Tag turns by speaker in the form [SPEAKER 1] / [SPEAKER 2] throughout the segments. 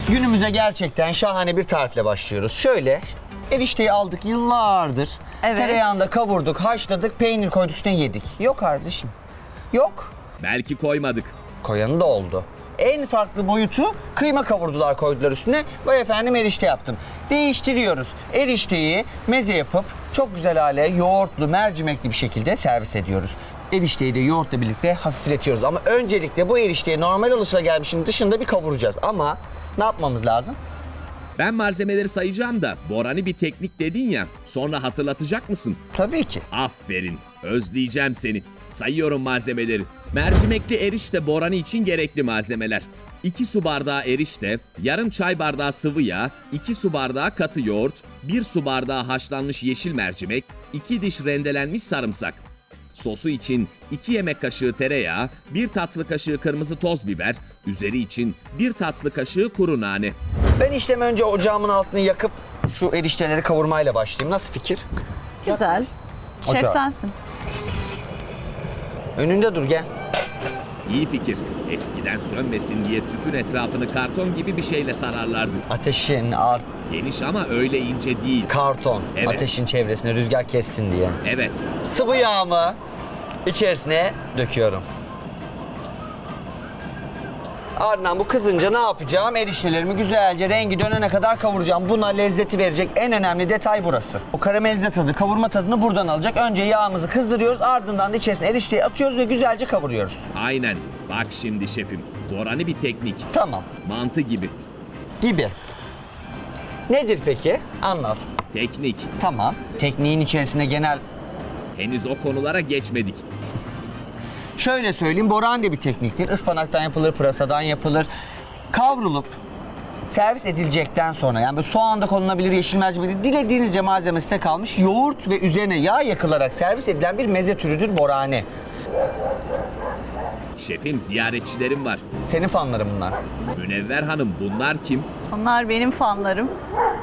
[SPEAKER 1] Günümüze gerçekten şahane bir tarifle başlıyoruz. Şöyle erişteyi aldık yıllardır.
[SPEAKER 2] Evet.
[SPEAKER 1] Tereyağında kavurduk, haşladık, peynir koyduk üstüne yedik. Yok kardeşim. Yok.
[SPEAKER 3] Belki koymadık.
[SPEAKER 1] Koyanı da oldu. En farklı boyutu kıyma kavurdular koydular üstüne. Vay efendim erişte yaptım. Değiştiriyoruz. Erişteyi meze yapıp çok güzel hale yoğurtlu, mercimekli bir şekilde servis ediyoruz. Erişteyi de yoğurtla birlikte hafifletiyoruz. Ama öncelikle bu erişteyi normal alışılagelmişin dışında bir kavuracağız. Ama ne yapmamız lazım?
[SPEAKER 3] Ben malzemeleri sayacağım da Boran'ı bir teknik dedin ya. Sonra hatırlatacak mısın?
[SPEAKER 1] Tabii ki.
[SPEAKER 3] Aferin. Özleyeceğim seni. Sayıyorum malzemeleri. Mercimekli erişte Boran'ı için gerekli malzemeler. 2 su bardağı erişte, yarım çay bardağı sıvı yağ, 2 su bardağı katı yoğurt, 1 su bardağı haşlanmış yeşil mercimek, 2 diş rendelenmiş sarımsak. Sosu için 2 yemek kaşığı tereyağı, 1 tatlı kaşığı kırmızı toz biber, üzeri için 1 tatlı kaşığı kuru nane.
[SPEAKER 1] Ben işlem önce ocağımın altını yakıp şu erişteleri kavurmayla başlayayım. Nasıl fikir?
[SPEAKER 2] Güzel. Şef
[SPEAKER 1] Ocağı.
[SPEAKER 2] sensin.
[SPEAKER 1] Önünde dur gel.
[SPEAKER 3] İyi fikir. Eskiden sönmesin diye tüpün etrafını karton gibi bir şeyle sararlardı.
[SPEAKER 1] Ateşin
[SPEAKER 3] Geniş ama öyle ince değil.
[SPEAKER 1] karton.
[SPEAKER 3] Evet.
[SPEAKER 1] Ateşin çevresine rüzgar kessin diye.
[SPEAKER 3] Evet.
[SPEAKER 1] Sıvı yağımı içerisine döküyorum. Ardından bu kızınca ne yapacağım? Eriştelerimi güzelce rengi dönene kadar kavuracağım. Buna lezzeti verecek en önemli detay burası. O karamelize tadı, kavurma tadını buradan alacak. Önce yağımızı kızdırıyoruz, ardından da içerisine erişteyi atıyoruz ve güzelce kavuruyoruz.
[SPEAKER 3] Aynen. Bak şimdi şefim. Boran'ı bir teknik.
[SPEAKER 1] Tamam.
[SPEAKER 3] Mantı gibi.
[SPEAKER 1] Gibi. Nedir peki? Anlat.
[SPEAKER 3] Teknik.
[SPEAKER 1] Tamam. Tekniğin içerisine genel...
[SPEAKER 3] Henüz o konulara geçmedik.
[SPEAKER 1] Şöyle söyleyeyim, boran da bir tekniktir. Ispanaktan yapılır, pırasadan yapılır. Kavrulup servis edilecekten sonra, yani böyle soğan da konulabilir, yeşil mercimek, dilediğinizce malzeme size kalmış. Yoğurt ve üzerine yağ yakılarak servis edilen bir meze türüdür borane.
[SPEAKER 3] Şefim ziyaretçilerim var.
[SPEAKER 1] Senin fanların bunlar.
[SPEAKER 3] Münevver Hanım bunlar kim?
[SPEAKER 2] Onlar benim fanlarım.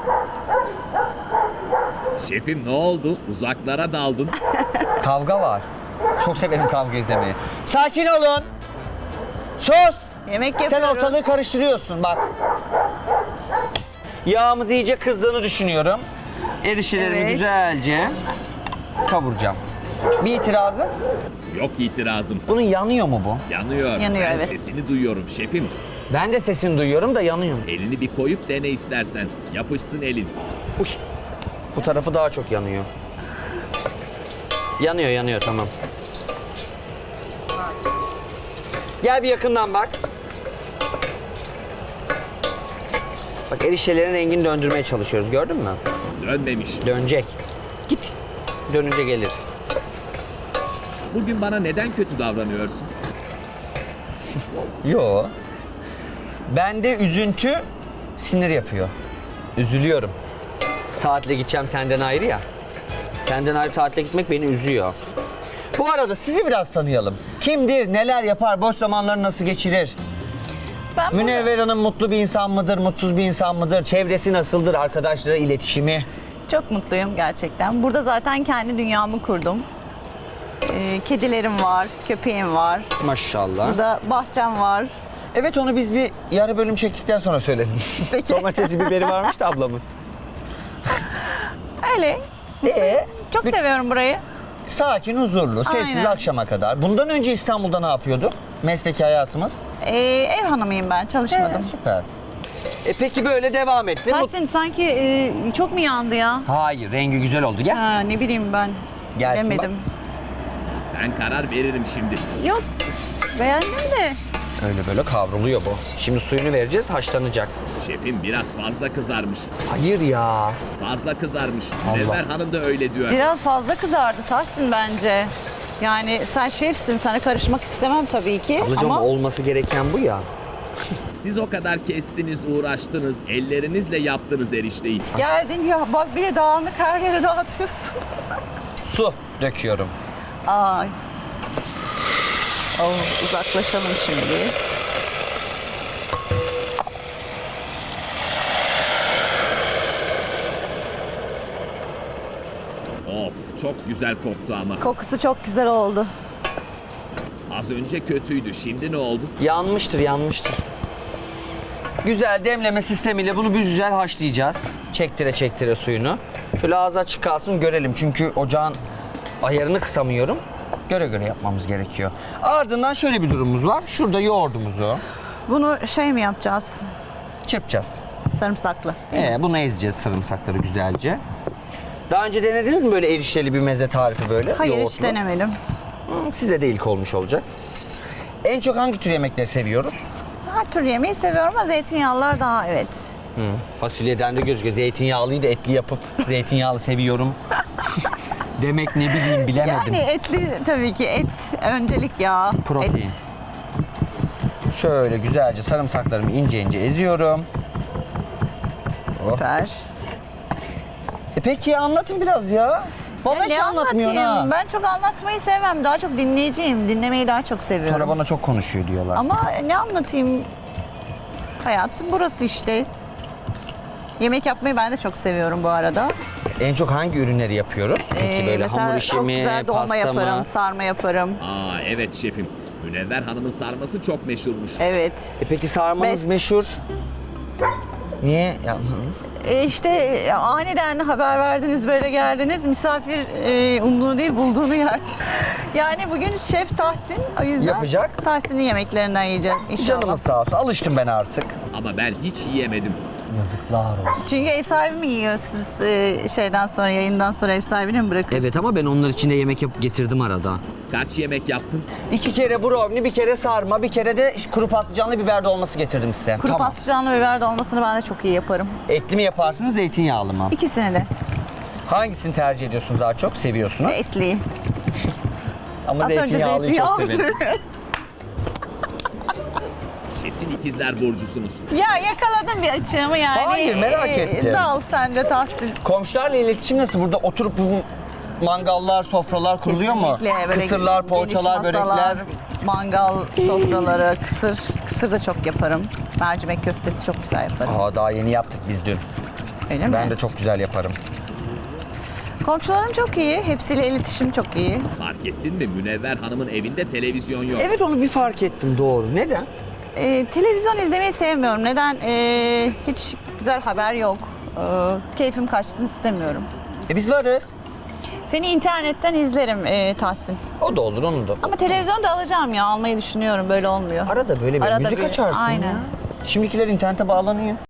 [SPEAKER 3] Şefim ne oldu? Uzaklara daldın.
[SPEAKER 1] Kavga var. Çok severim kavga izlemeyi. Sakin olun. Sus.
[SPEAKER 2] Yemek
[SPEAKER 1] Sen
[SPEAKER 2] yapıyoruz.
[SPEAKER 1] ortalığı karıştırıyorsun bak. Yağımız iyice kızdığını düşünüyorum. Eriştelerimi
[SPEAKER 2] Evet.
[SPEAKER 1] güzelce kavuracağım. Bir itirazın?
[SPEAKER 3] Yok itirazım.
[SPEAKER 1] Bunun yanıyor mu bu?
[SPEAKER 3] Yanıyor.
[SPEAKER 2] Yanıyor,
[SPEAKER 3] Ben
[SPEAKER 2] evet.
[SPEAKER 3] sesini duyuyorum şefim.
[SPEAKER 1] Ben de sesini duyuyorum da yanıyor.
[SPEAKER 3] Elini bir koyup dene istersen. Yapışsın elin.
[SPEAKER 1] Uy. Bu tarafı daha çok yanıyor. Yanıyor tamam. Gel bir yakından bak. Bak eriştelerin rengini döndürmeye çalışıyoruz, gördün mü?
[SPEAKER 3] Dönmemiş.
[SPEAKER 1] Dönecek. Git. Dönünce geliriz.
[SPEAKER 3] Bugün bana neden kötü davranıyorsun?
[SPEAKER 1] Yo. Bende üzüntü sinir yapıyor. Üzülüyorum. Tatile gideceğim senden ayrı ya. Senden ayrı tatile gitmek beni üzüyor. Bu arada sizi biraz tanıyalım. Kimdir, neler yapar, boş zamanlarını nasıl geçirir?
[SPEAKER 2] Ben burada-
[SPEAKER 1] Münevver Hanım mutlu bir insan mıdır, mutsuz bir insan mıdır? Çevresi nasıldır, arkadaşlara iletişimi?
[SPEAKER 2] Çok mutluyum gerçekten. Burada zaten kendi dünyamı kurdum. Kedilerim var, köpeğim var.
[SPEAKER 1] Maşallah.
[SPEAKER 2] Burada bahçem var.
[SPEAKER 1] Evet, onu biz bir yarı bölüm çektikten sonra söylediniz.
[SPEAKER 2] Peki.
[SPEAKER 1] Domatesi, biberi varmış da ablamın.
[SPEAKER 2] Öyle. Çok seviyorum burayı.
[SPEAKER 1] Sakin, huzurlu, sessiz
[SPEAKER 2] Aynen.
[SPEAKER 1] akşama kadar. Bundan önce İstanbul'da ne yapıyordu? Mesleki hayatımız.
[SPEAKER 2] Ev hanımıyım ben, çalışmadım.
[SPEAKER 1] Süper. Peki böyle devam etti.
[SPEAKER 2] Tahsin sanki çok mu yandı ya?
[SPEAKER 1] Hayır, rengi güzel oldu. Gel.
[SPEAKER 2] Ha, ne bileyim ben.
[SPEAKER 1] Gelsin
[SPEAKER 2] Bilemedim.
[SPEAKER 3] Ben karar veririm şimdi.
[SPEAKER 2] Yok, beğendim de.
[SPEAKER 1] Öyle böyle kavruluyor bu. Şimdi suyunu vereceğiz, haşlanacak.
[SPEAKER 3] Şefim biraz fazla kızarmış.
[SPEAKER 1] Hayır ya.
[SPEAKER 3] Fazla kızarmış. Münevver Hanım da öyle diyor.
[SPEAKER 2] Biraz fazla kızardı Tahsin bence. Yani sen şefsin, sana karışmak istemem tabii ki.
[SPEAKER 1] Ablacığım
[SPEAKER 2] ama
[SPEAKER 1] olması gereken bu ya.
[SPEAKER 3] Siz o kadar kestiniz, uğraştınız, ellerinizle yaptınız erişteyi.
[SPEAKER 2] geldin ya bak bile dağınık her yere dağıtıyorsun.
[SPEAKER 1] Su döküyorum.
[SPEAKER 2] Ay. Oh, uzaklaşalım şimdi.
[SPEAKER 3] Of çok güzel koktu ama.
[SPEAKER 2] Kokusu çok güzel oldu.
[SPEAKER 3] Az önce kötüydü. Şimdi ne oldu?
[SPEAKER 1] Yanmıştır, yanmıştır. Güzel demleme sistemiyle bunu bir güzel haşlayacağız. Çektire çektire suyunu. Şöyle ağzı açık kalsın görelim çünkü ocağın ayarını kısamıyorum. Göre göre yapmamız gerekiyor. Ardından şöyle bir durumumuz var. Şurada yoğurdumuzu
[SPEAKER 2] Bunu şey mi yapacağız?
[SPEAKER 1] çırpacağız.
[SPEAKER 2] Sarımsaklı.
[SPEAKER 1] Bunu ezeceğiz sarımsakları güzelce. Daha önce denediniz mi böyle erişteli bir meze tarifi böyle?
[SPEAKER 2] Hayır hiç
[SPEAKER 1] yoğurtlu?
[SPEAKER 2] denemedim.
[SPEAKER 1] Size de ilk olmuş olacak. En çok hangi tür yemekleri seviyoruz?
[SPEAKER 2] Her tür yemeği seviyorum ama zeytinyağlılar daha evet.
[SPEAKER 1] Fasulyeden de gözüküyor. Zeytinyağlıyı da etli yapıp zeytinyağlı seviyorum. Demek ne bileyim bilemedim.
[SPEAKER 2] Yani etli tabii ki et öncelik ya.
[SPEAKER 1] Protein.
[SPEAKER 2] Et.
[SPEAKER 1] Şöyle güzelce sarımsaklarımı ince ince eziyorum.
[SPEAKER 2] Süper.
[SPEAKER 1] Peki anlatın biraz ya. Bana hiç
[SPEAKER 2] Ne
[SPEAKER 1] anlatmıyorsun ha.
[SPEAKER 2] anlatayım? Ben çok anlatmayı sevmem. Daha çok dinleyiciyim. Dinlemeyi daha çok seviyorum.
[SPEAKER 1] Sonra bana çok konuşuyor diyorlar.
[SPEAKER 2] Ama ne anlatayım? Hayatım burası işte. Yemek yapmayı ben de çok seviyorum bu arada.
[SPEAKER 1] En çok hangi ürünleri yapıyoruz? Peki böyle
[SPEAKER 2] Mesela
[SPEAKER 1] hamur işi
[SPEAKER 2] çok
[SPEAKER 1] mi,
[SPEAKER 2] güzel dolma
[SPEAKER 1] pasta
[SPEAKER 2] yaparım,
[SPEAKER 1] mı?
[SPEAKER 2] sarma yaparım.
[SPEAKER 3] Aa evet şefim. Münevver Hanım'ın sarması çok meşhurmuş.
[SPEAKER 2] Evet.
[SPEAKER 1] Peki sarmanız
[SPEAKER 2] Best.
[SPEAKER 1] meşhur. Niye yapmadınız?
[SPEAKER 2] İşte aniden haber verdiniz, böyle geldiniz. Misafir umduğunu değil, bulduğunu yer. Yani bugün Şef Tahsin, o yüzden
[SPEAKER 1] Yapacak.
[SPEAKER 2] Tahsin'in yemeklerinden yiyeceğiz inşallah.
[SPEAKER 1] Canımız sağ olsun. Alıştım ben artık.
[SPEAKER 3] Ama ben hiç yiyemedim.
[SPEAKER 1] Yazıklar olsun.
[SPEAKER 2] Çünkü ev sahibi mi yiyor siz şeyden sonra, yayından sonra ev sahibine mi bırakıyorsunuz?
[SPEAKER 1] Evet ama ben onlar için de yemek yapıp getirdim arada.
[SPEAKER 3] Kaç yemek yaptın?
[SPEAKER 1] 2 kere brownie, bir kere sarma, bir kere de kuru patlıcanlı biber dolması getirdim size.
[SPEAKER 2] Kuru patlıcanlı biber dolmasını ben de çok iyi yaparım.
[SPEAKER 1] Etli mi yaparsınız, zeytinyağlı mı?
[SPEAKER 2] İkisini de.
[SPEAKER 1] Hangisini tercih ediyorsunuz daha çok? Seviyorsunuz.
[SPEAKER 2] Etliyi.
[SPEAKER 1] Ama
[SPEAKER 2] Az önce
[SPEAKER 1] zeytinyağlıyı çok
[SPEAKER 2] zeytinyağlı
[SPEAKER 1] severim.
[SPEAKER 2] söylüyorum.
[SPEAKER 3] Kesin ikizler burcusunuz.
[SPEAKER 2] Ya yakaladım bir açığımı yani.
[SPEAKER 1] Hayır, merak ettim.
[SPEAKER 2] Dal sen de Tahsin.
[SPEAKER 1] Komşularla iletişim nasıl? Burada oturup bu mangallar, sofralar kuruluyor mu?
[SPEAKER 2] Kesinlikle. Böyle
[SPEAKER 1] Kısırlar,
[SPEAKER 2] geniş
[SPEAKER 1] poğaçalar,
[SPEAKER 2] masalar,
[SPEAKER 1] börekler.
[SPEAKER 2] mangal sofraları, kısır. Kısır da çok yaparım. Mercimek köftesi çok güzel yaparım.
[SPEAKER 1] Aa, daha yeni yaptık biz dün.
[SPEAKER 2] Öyle mi?
[SPEAKER 1] Ben de çok güzel yaparım.
[SPEAKER 2] Komşularım çok iyi. Hepsiyle iletişim çok iyi.
[SPEAKER 3] Fark ettin mi Münevver Hanım'ın evinde televizyon yok.
[SPEAKER 1] Evet onu bir fark ettim doğru. Neden?
[SPEAKER 2] Televizyon izlemeyi sevmiyorum. Neden? Hiç güzel haber yok. Keyfim kaçsın istemiyorum.
[SPEAKER 1] Biz varız.
[SPEAKER 2] Seni internetten izlerim Tahsin.
[SPEAKER 1] O da olur onu da.
[SPEAKER 2] Ama televizyon da alacağım ya. Almayı düşünüyorum. Böyle olmuyor.
[SPEAKER 1] Arada böyle bir
[SPEAKER 2] Arada
[SPEAKER 1] müzik
[SPEAKER 2] bir,
[SPEAKER 1] açarsın
[SPEAKER 2] aynen.
[SPEAKER 1] ya. Şimdikiler internete bağlanıyor.